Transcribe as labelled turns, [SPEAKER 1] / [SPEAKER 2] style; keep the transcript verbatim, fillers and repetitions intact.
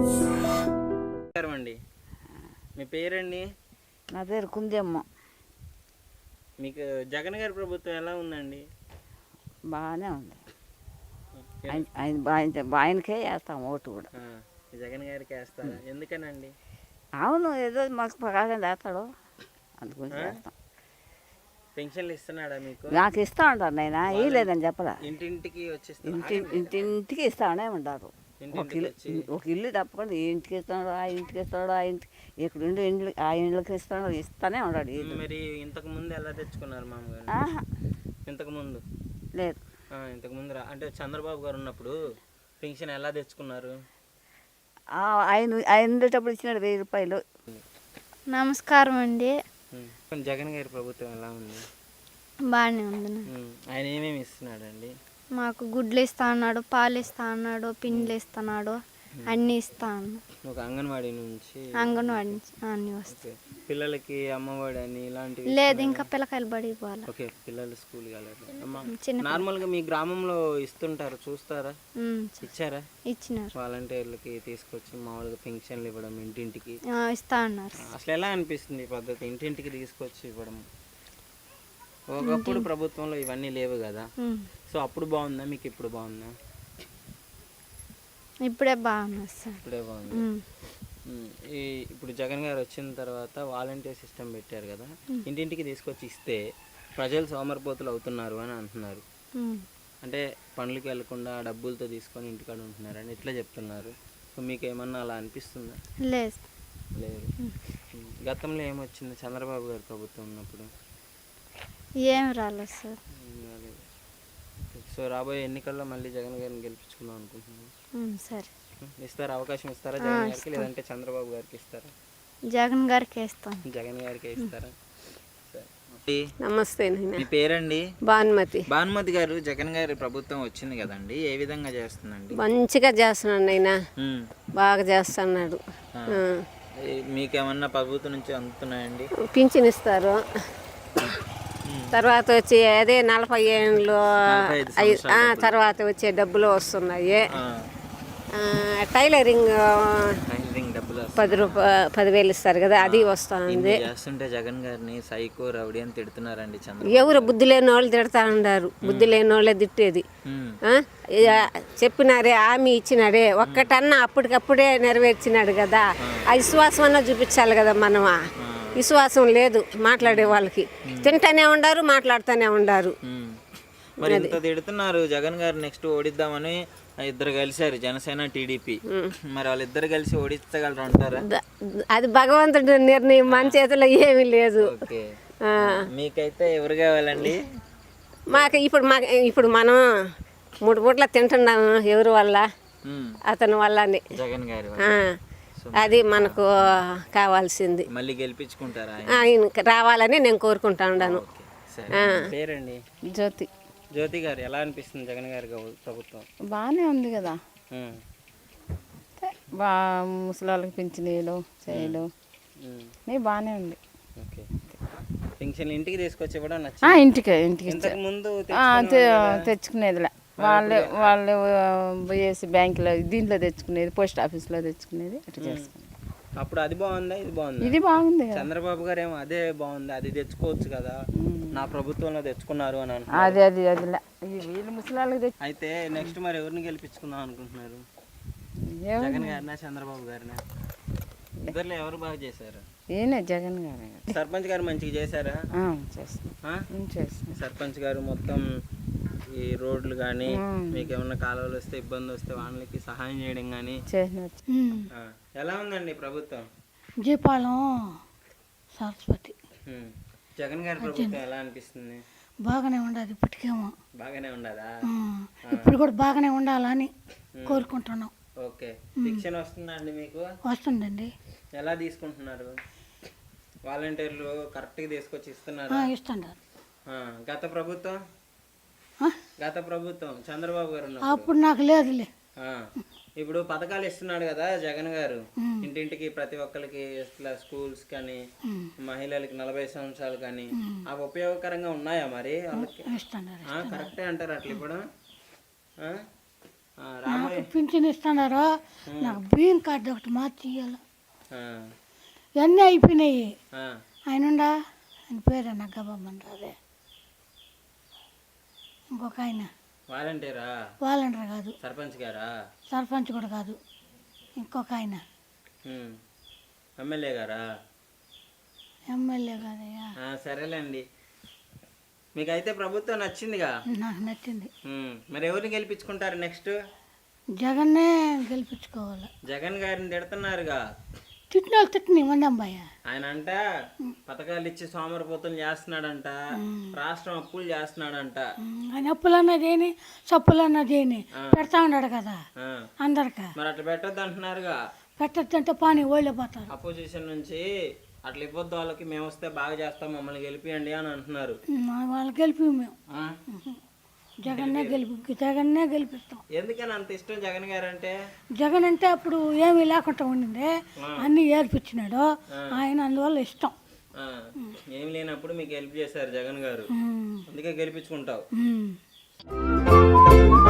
[SPEAKER 1] అండి, మీ పేరండి?
[SPEAKER 2] నా పేరు కుందేమ్మ.
[SPEAKER 1] మీకు జగన్ గారి ప్రభుత్వం ఎలా ఉందండి?
[SPEAKER 2] బాగానే ఉంది. ఆయన ఆయనకే వేస్తాం ఓటు కూడా.
[SPEAKER 1] జగన్ గారికి వేస్తారా? ఎందుకనండి?
[SPEAKER 2] అవును, ఏదో మాకు ప్రకాశం వేస్తాడు, అందుగురించి వేస్తాం.
[SPEAKER 1] పెన్షన్లు ఇస్తున్నాడా మీకు?
[SPEAKER 2] నాకు ఇస్తా ఉంటారు, నేను ఇవ్వలేదని చెప్పరా.
[SPEAKER 1] ఇంటింటికి వచ్చి
[SPEAKER 2] ఇంటి ఇంటింటికి ఇస్తానే ఉంటారు. ఒక ఇల్లు ఒక ఇల్లు తప్పకుండా ఈ ఇంటికి ఇస్తాడు, ఆ ఇంటికి ఇస్తాడు, ఆ ఇంటికి ఇక్కడ ఉండి ఇండ్లు ఆ ఇండ్లకి ఇస్తాడు, ఇస్తానే ఉంటాడు.
[SPEAKER 1] మరి ఇంతకు ముందు ఎలా తెచ్చుకున్నారు మామూలుగా? ఇంతకు ముందు
[SPEAKER 2] లేదు.
[SPEAKER 1] ఇంతకు ముందు అంటే చంద్రబాబు గారు ఉన్నప్పుడు పెన్షన్ ఎలా తెచ్చుకున్నారు?
[SPEAKER 2] ఆయన ఆయన ఉండేటప్పుడు ఇచ్చినాడు వెయ్యి రూపాయలు.
[SPEAKER 3] నమస్కారం అండి.
[SPEAKER 1] జగన్ గారి ప్రభుత్వం ఎలా ఉంది?
[SPEAKER 3] బాగానే ఉంది.
[SPEAKER 1] ఆయన ఏమేమి ఇస్తున్నాడు అండి?
[SPEAKER 3] మాకు గుడ్లు ఇస్తా అన్నాడు, పాలు ఇస్తా అన్నాడు, పిండిలు ఇస్తున్నాడు, అన్నీ ఇస్తా అన్నాడు.
[SPEAKER 1] ఒక అంగన్వాడీ నుంచి
[SPEAKER 3] అంగన్వాడీ నుంచి అన్నీ వస్తాయి.
[SPEAKER 1] పిల్లలకి అమ్మఒడి అని ఇలాంటివి
[SPEAKER 3] లేదు, ఇంకా పిల్లకాయలు బడికి పోవాలి.
[SPEAKER 1] ఓకే, పిల్లలు స్కూల్ నార్మల్ గా మీ గ్రామంలో ఇస్తుంటారు, చూస్తారా? ఇచ్చారా?
[SPEAKER 3] ఇచ్చినారు.
[SPEAKER 1] వాలంటీర్లకి తీసుకొచ్చి మామూలుగా పెన్షన్లు ఇవ్వడం ఇంటింటికి
[SPEAKER 3] ఇస్తా అన్నారు.
[SPEAKER 1] అసలు ఎలా అనిపిస్తుంది ఈ పద్ధతి, ఇంటింటికి తీసుకొచ్చి ఇవ్వడం? ఒకప్పుడు ప్రభుత్వంలో ఇవన్నీ లేవు కదా, సో అప్పుడు బాగుందా మీకు, ఇప్పుడు బాగుందా?
[SPEAKER 3] ఇప్పుడే బాగుంది సార్.
[SPEAKER 1] ఇప్పుడే బాగుంది. ఈ ఇప్పుడు జగన్ గారు వచ్చిన తర్వాత వాలంటీర్ సిస్టమ్ పెట్టారు కదా, ఇంటింటికి తీసుకొచ్చి ఇస్తే ప్రజలు సోమరిపోతులు అవుతున్నారు అని అంటున్నారు. అంటే పనులకి వెళ్లకుండా డబ్బులతో తీసుకొని ఇంటికాడ ఉంటున్నారు అని ఇట్లా చెప్తున్నారు. సో మీకు ఏమన్నా అలా అనిపిస్తుందా?
[SPEAKER 3] లేదు.
[SPEAKER 1] లేదు. గతంలో ఏమొచ్చింది చంద్రబాబు గారు ప్రభుత్వం ఉన్నప్పుడు?
[SPEAKER 3] ఏం రాలేదు సార్.
[SPEAKER 1] సో రాబోయే ఎన్నికల్లో మళ్ళీ జగన్ గారిని గెలిపించుకుందాం అనుకుంటున్నాను.
[SPEAKER 3] సరే,
[SPEAKER 1] ఇస్తారా? అవకాశం ఇస్తారా జగన్ గారికి, లేదంటే చంద్రబాబు గారికి ఇస్తారా?
[SPEAKER 3] జగన్ గారికి ఇస్తాం.
[SPEAKER 1] జగన్ గారికి ఇస్తారా?
[SPEAKER 4] నమస్తే.
[SPEAKER 1] మీ పేరండి?
[SPEAKER 4] భానుమతి.
[SPEAKER 1] భానుమతి గారు, జగన్ గారి ప్రభుత్వం వచ్చింది కదండి, ఏ విధంగా చేస్తుందండి?
[SPEAKER 4] మంచిగా చేస్తున్నాడు ఆయన, బాగా చేస్తున్నాడు.
[SPEAKER 1] మీకేమన్నా ప్రభుత్వం నుంచి అందుతున్నాయండి?
[SPEAKER 4] పింఛన్ ఇస్తారు, తర్వాత వచ్చి అదే నలభై ఏళ్ళు తర్వాత వచ్చే డబ్బులు వస్తున్నాయి. టైలరింగ్ పది రూపాయ పదివేలు ఇస్తారు కదా, అది వస్తుంది.
[SPEAKER 1] చేస్తుంటే జగన్ గారిని సైకో రౌడీ అని తిడుతున్నారండి.
[SPEAKER 4] ఎవరు బుద్ధి లేని వాళ్ళు తిడతా ఉన్నారు, బుద్ధి లేని వాళ్ళే తిట్టేది. చెప్పినారే, హామీ ఇచ్చినాడే, ఒక్కటన్నా అప్పటికప్పుడే నెరవేర్చినాడు కదా, ఆ విశ్వాసం అన్నా చూపించాలి కదా. మనం విశ్వాసం లేదు మాట్లాడే వాళ్ళకి, తింటానే ఉండారు, మాట్లాడుతూనే ఉండారు.
[SPEAKER 1] మరి ఇంత తిడుతున్నారు జగన్ గారు, నెక్స్ట్ ఓడిద్దామని ఇద్దరు కలిసారు, జనసేన టీడీపీ. మరి వాళ్ళిద్దరు కలిసి ఓడించగలరు అంటారా?
[SPEAKER 4] అది భగవంతుడి నిర్ణయం, మన చేతిలో ఏమీ లేదు.
[SPEAKER 1] మీకైతే ఎవరు కావాలండి?
[SPEAKER 4] మాకు ఇప్పుడు మా ఇప్పుడు మనం మూడు పూట్ల తింటున్నాము, ఎవరి వల్ల? అతని వల్లనే,
[SPEAKER 1] జగన్ గారి.
[SPEAKER 4] అది మనకు కావాల్సింది.
[SPEAKER 1] మళ్ళీ గెలిపించుకుంటారా?
[SPEAKER 4] ఆయన రావాలని నేను కోరుకుంటా ఉన్నాను.
[SPEAKER 1] పేరండి?
[SPEAKER 2] జ్యోతి.
[SPEAKER 1] జ్యోతి గారు, ఎలా అనిపిస్తుంది జగన్ గారి ప్రభుత్వం?
[SPEAKER 2] బాగానే ఉంది కదా, బా ముసలాళ్ళకి పింఛనీలు చేయలు బాగానే ఉంది.
[SPEAKER 1] ఓకే, పెన్షన్ ఇంటికి తీసుకొచ్చి కూడా
[SPEAKER 2] ఇంటికి ఇంటికి
[SPEAKER 1] ముందు
[SPEAKER 2] తెచ్చుకునేదిలే, వాళ్ళు వాళ్ళు పోయేసి బ్యాంకులో దీంట్లో తెచ్చుకునేది, పోస్ట్ ఆఫీస్లో తెచ్చుకునేది, అట్లా చేసుకునేది.
[SPEAKER 1] అప్పుడు అది బాగుందా, ఇది బాగుంది?
[SPEAKER 2] ఇది బాగుంది.
[SPEAKER 1] చంద్రబాబు గారు ఏమో అదే బాగుంది, అది తెచ్చుకోవచ్చు కదా, నా ప్రభుత్వంలో తెచ్చుకున్నారు అని
[SPEAKER 2] అంటున్నారు. అది అది అది వీళ్ళు ముసలాళ్ళకి.
[SPEAKER 1] అయితే నెక్స్ట్ మరి ఎవరిని గెలిపించుకుందాం అనుకుంటున్నారు? జగన్ గారినా చంద్రబాబు గారినా? ఇద్దరులో ఎవరు బాగా చేశారు?
[SPEAKER 2] ఈయన జగన్ గారు.
[SPEAKER 1] సర్పంచ్ గారు మంచిగా చేశారా?
[SPEAKER 2] చేస్తారు.
[SPEAKER 1] సర్పంచ్ గారు మొత్తం ఈ రోడ్లు కానీ, మీకు ఏమన్నా కాలువలు వస్తే ఇబ్బంది వస్తే వాళ్ళకి సహాయం చేయడం కానీ ఎలా ఉందండి ప్రభుత్వం?
[SPEAKER 5] జీపాలం సరస్వతి.
[SPEAKER 1] జగన్ గారి ప్రభుత్వం ఎలా అనిపిస్తుంది?
[SPEAKER 5] బాగానే ఉండదు, ఇప్పటికేమో
[SPEAKER 1] బాగానే ఉండదా?
[SPEAKER 5] ఇప్పుడు కూడా బాగానే ఉండాలని కోరుకుంటున్నాం.
[SPEAKER 1] ఓకే, శిక్షణ వస్తుందా అండి మీకు?
[SPEAKER 5] వస్తుందండి.
[SPEAKER 1] ఎలా తీసుకుంటున్నారు? వాలంటీర్లు కరెక్ట్గా తీసుకొచ్చి ఇస్తున్నారు?
[SPEAKER 5] ఇస్తున్నారు.
[SPEAKER 1] గత ప్రభుత్వం గత ప్రభుత్వం చంద్రబాబు గారు
[SPEAKER 5] అప్పుడు నాకు లేదులే.
[SPEAKER 1] ఇప్పుడు పథకాలు ఇస్తున్నాడు కదా జగన్ గారు, ఇంటింటికి ప్రతి ఒక్కరికి ఇట్లా స్కూల్స్ కానీ, మహిళలకి నలభై సంవత్సరాలు కానీ, అవి ఉపయోగకరంగా ఉన్నాయా మరి వాళ్ళకి? కరెక్టే అంటారు అట్లా ఇప్పుడు? ఆ, రాబోయే
[SPEAKER 5] నాకు పింఛన్ ఇస్తున్నారు నాకు బియ్యం కార్డు ఒకటి మార్చి ఇవ్వాలి
[SPEAKER 1] ఆ,
[SPEAKER 5] ఇవన్నీ అయిపోయినాయి
[SPEAKER 1] ఆ,
[SPEAKER 5] ఆయన ఉండా ఆయన పేరు నగ్గబాబు అదే ఇంకొక ఆయన
[SPEAKER 1] వాలంటీరా
[SPEAKER 5] వాలంటీర్ కాదు
[SPEAKER 1] సర్పంచ్ గారా
[SPEAKER 5] సర్పంచ్ కూడా కాదు ఇంకొక ఆయన
[SPEAKER 1] ఉమ్. ఎమ్మెల్యే గారా
[SPEAKER 5] ఎమ్మెల్యే కాదయ్యా
[SPEAKER 1] ఆ, సరేలేండి మీకైతే ప్రభుత్వం నచ్చిందిగా
[SPEAKER 5] నాకు నచ్చింది
[SPEAKER 1] ఉమ్. మరి ఎవరిని గెలిపించుకుంటారు నెక్స్ట్?
[SPEAKER 5] జగన్నే గెలిపించుకోవాలి
[SPEAKER 1] జగన్ గారిని తిడుతున్నారుగా.
[SPEAKER 5] తిట్టిన వాళ్ళు తిట్టిన మంది అమ్మాయ
[SPEAKER 1] ఆయన అంట పథకాలు ఇచ్చి సోమరిపోతులు చేస్తున్నాడంట, రాష్ట్రం అప్పులు చేస్తున్నాడంట.
[SPEAKER 5] ఆయన అప్పులు అన్నది ఏని సప్పులు అన్నది ఏని పెడతా ఉన్నాడు కదా
[SPEAKER 1] ఆ,
[SPEAKER 5] అందరికా
[SPEAKER 1] మరి అట్లా పెట్టొద్దు అంటున్నారుగా.
[SPEAKER 5] పెట్టద్దంటే పాని ఓళ్ళిపోతారు
[SPEAKER 1] అపోజిషన్ నుంచి అట్లా ఇవ్వద్దు వాళ్ళకి, మేము వస్తే బాగా చేస్తాం మమ్మల్ని గెలిపియండి అని అంటున్నారు.
[SPEAKER 5] వాళ్ళు గెలిపి మేము
[SPEAKER 1] ఆ?
[SPEAKER 5] జగన్నే గెలిపి జగన్నే గెలిపిస్తాం.
[SPEAKER 1] ఎందుకని అంత ఇష్టం జగన్ గారు అంటే?
[SPEAKER 5] జగన్ అంటే అప్పుడు ఏమీ లేకుండా ఉండింది అన్నీ ఏర్పించినాడు ఆయన, అందువల్ల ఇష్టం.
[SPEAKER 1] ఆ, ఏం లేనప్పుడు మీకు హెల్ప్ చేశారు జగన్ గారు,
[SPEAKER 5] ఉమ్.
[SPEAKER 1] అందుకే గెలిపించుకుంటావు.
[SPEAKER 5] ఉమ్.